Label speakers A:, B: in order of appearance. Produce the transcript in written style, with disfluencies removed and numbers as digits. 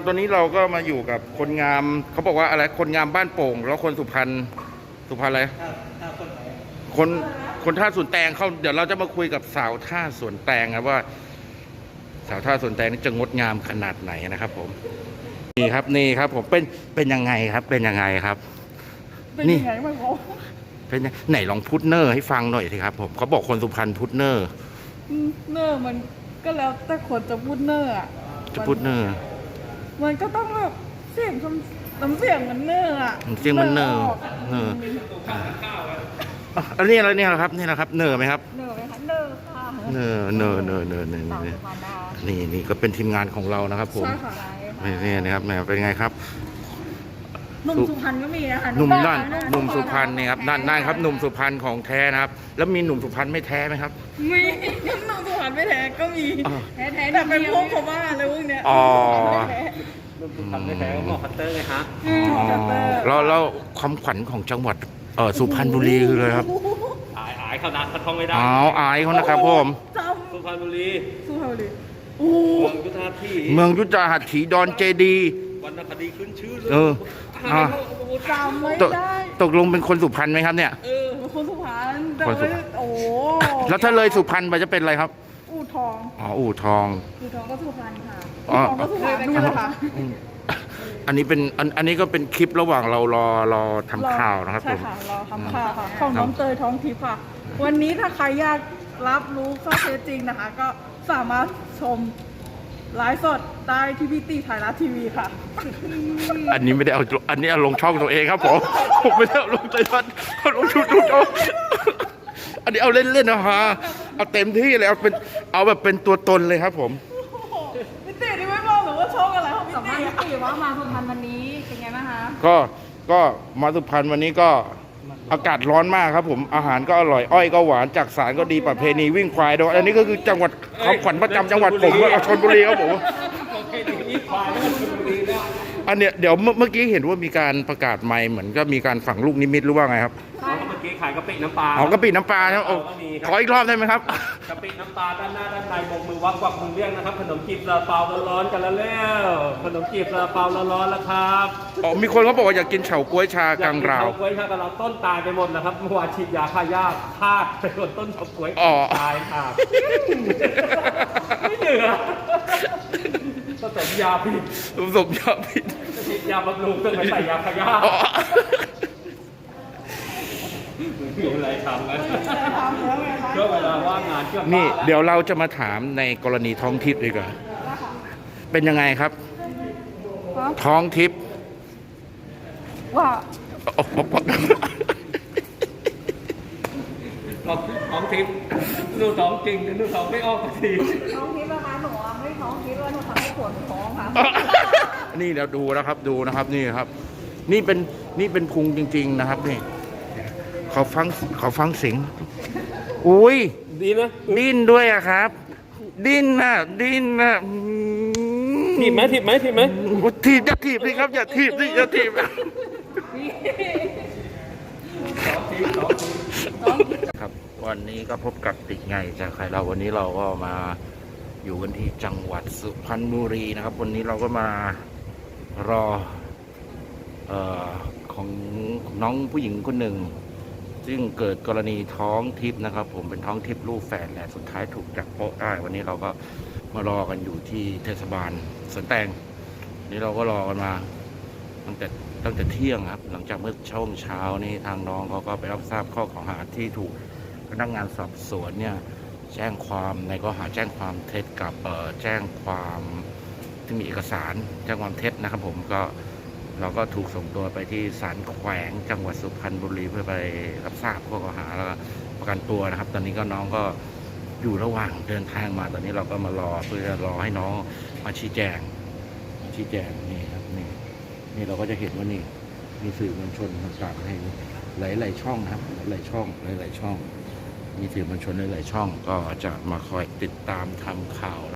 A: ตอนนี้เราก็มาอยู่กับคนงามเขาบอกว่าอะไรคนงามบ้านโป่งแล้วคนสุพรรณอะไรคนท่าสวนแตงเขาเดี๋ยวเราจะมาคุยกับสาวท่าสวนแตงครับว่าสาวท่าสวนแตงนี่จะงดงามขนาดไหนนะครับผมนี่ครับผมเป็นยังไงครับเป็นยังไงครับนี่เป็นไหนลองพุทเนอร์ให้ฟังหน่อยสิครับผมเขาบอกคนสุพรรณพุทเนอร์
B: มันก็แล้วแต่คนจะพูดเนอร์อ่ะ
A: จะพุทเนอร์
B: มันก็ต้องแบบเสียงน้ำเสียงมันเนอร์อ่ะ
A: เสียงมันเนอร์อันนี้อะไรเนี่ยครับนี่นะครับเนอร์ไหมครับ
B: เนอร์ไหมคะเนอร์ค่ะ
A: เนอร์นี่ก็เป็นทีมงานของเรานะครับผมนี่นะครับเป็นไงครับ
B: หนุ่มสุพรรณก็มีนะคะ
A: หนุ่มสุพรรณนี่ครับนั่นครับหนุ่มสุพรรณของแท้นะครับแล้วมีหนุ่มสุพรรณไม่แท้ไหมครับ
B: มีหนุ่มสุพรรณไม่แท้ก็มีแท้แต่เป็นพวกเขาบ้าอะไรพวกเนี้ย
C: หนุ่มสุพรรณไม่แท้ก็หมอคัตเตอร์ไงฮะ
A: แล้วความขวัญของจังหวัดสุพรรณบุรีคือเลยครับ
C: อายเขานะเขาท่องไม่ได้
A: อายเขานะครับผม
C: สุพรรณบุรีเมืองยุทธาถี
A: ดอนเจดี
C: วรรณคดีขึ้นชื่อเลย
B: จำไม่ได้
A: ตกลงเป็นคนสุพรรณไหมครับเนี่ย
B: คนสุพรรณโอ้
A: แล้วถ้าเลยสุพรรณไปจะเป็นอะไรครับ
B: อู่ทอง
A: อู่ทอง
B: ก็สุพรรณค่ะอู่ทองก็สุพรรณด้วยนะคะ
A: อันนี้ก็เป็นคลิประหว่างเรารอทำข่าวนะครับผม
B: ใช่ค่ะรอทำข่าวค่ะของน้องเตยท้องทิพย์ค่ะวันนี้ถ้าใครอยากรับรู้ข้อเท็จจริงนะคะก็สามารถชมไลฟ์สดได้ที่พี่ตีไทยรัฐทีวีค่ะ
A: อันนี้ไม่ได้เอาอันนี้เอาลงช่องตัวเองครับผมไม่ได้เอาลงไทยรัฐเอาลงชุดอันนี้เอาเล่นๆนะฮะเอาเต็มที่เลยเอาแบบเป็นตัวตนเลยครับผม
B: พี่ตีนี่ไม่บอกหรือว่าช่องอะไรของพี่ตีว่ามาสุพรรณวันนี้เป็นไงบ้างคะ
A: ก็มาสุพรรณวันนี้ก็อากาศร้อนมากครับผมอาหารก็อร่อยอ้อยก็หวานจักสารก็ดีประเพณีวิ่งควายด้วยอันนี้ก็คือจังหวัดเขาขวัญประจำจังหวัดผมชลบุรีครับผมอันเนี้ยเดี๋ยวเมื่อกี้เห็นว่ามีการประกาศใหม่เหมือนก็มีการฝังลูกนิมิตหรือว่าไงครับ
C: เมื่อกี้ขายกะปิน้ำปลาก
A: ะปิน้ำปลาครับขออีกรอบได้ไหมครับ
C: กะปิน้ำปลาด้านหน้าด้านในบกมือวักมือเรียกนะครับขนมจีบซาลาเปาร้อนๆกันแล้วขนมจีบซาลาเปาร้อนๆแล้วครับ
A: มีคนเขาบอกว่าอยากกินเฉาก๊วยชากลางราว
C: เฉาก๊วยชากลางราวต้นตายไปหมดแล้วครับเมื่อวานฉีดยาฆ่าหญ้าพลาดไปโดนต้นเฉาก๊วยตายค่ะไม่เหลือผสมยาผิดฉีดยาบำรุงต้องไปใส่ยาฆ่าหญ้ามีอะไรทำนะก็เวลาว่างงาน
A: นี่เดี๋ยวเราจะมาถามในกรณีท้องทิพย์ดีกว่าเป็นยังไงครับท้องทิพย์
B: ว่า
C: ท้องทิพย์ดูท้องจริงดูท้องไม่ออกที
B: ท้องทิพย์นะคะหนูไม่ท้องทิพย์ว่าหนูทำให้ปวดท้องค่ะ
A: นี่เดี๋ยวดูนะครับนี่ครับนี่เป็นพุงจริงๆนะครับนี่เขาฟังเสียงอุ้ย
C: ดีนะ
A: ดิ้นด้วยอะครับดิ้นนะ
C: ถีบไหม
A: ถีบจะถีบสิครับอย่าถีบครับวันนี้ก็พบกับติไงจากใครเราวันนี้เราก็มาอยู่กันที่จังหวัดสุพรรณบุรีนะครับวันนี้เราก็มารอของน้องผู้หญิงคนหนึ่งซึ่งเกิดกรณีท้องทิพย์นะครับผมเป็นท้องทิพย์ลูกแฝดแหละสุดท้ายถูกจับโป๊ะได้วันนี้เราก็มารอกันอยู่ที่เทศบาลสวนแตงนี่เราก็รอกันมาตั้งแต่เที่ยงครับหลังจากเมื่อช่วงเช้านี่ทางน้องเขาก็ไปรับทราบข้อกล่าวหาที่ถูกพนักงานสอบสวนเนี่ยแจ้งความในข้อหาแจ้งความเท็จกับแจ้งความที่มีเอกสารแจ้งความเท็จนะครับผมก็เราก็ถูกส่งตัวไปที่ศาลแขวงจังหวัดสุพรรณบุรีเพื่อไปรับทราบข้อกล่าวหาแล้วก็ประกันตัวนะครับตอนนี้ก็น้องก็อยู่ระหว่างเดินทางมาตอนนี้เราก็มารอเพื่อจะรอให้น้องมาชี้แจงนี่ครับนี่เราก็จะเห็นว่านี่มีสื่อมวลชนต่างๆให้หลายๆช่องนะครับหลายๆช่องมีสื่อมวลชนหลายๆช่องก็จะมาคอยติดตามทำข่าว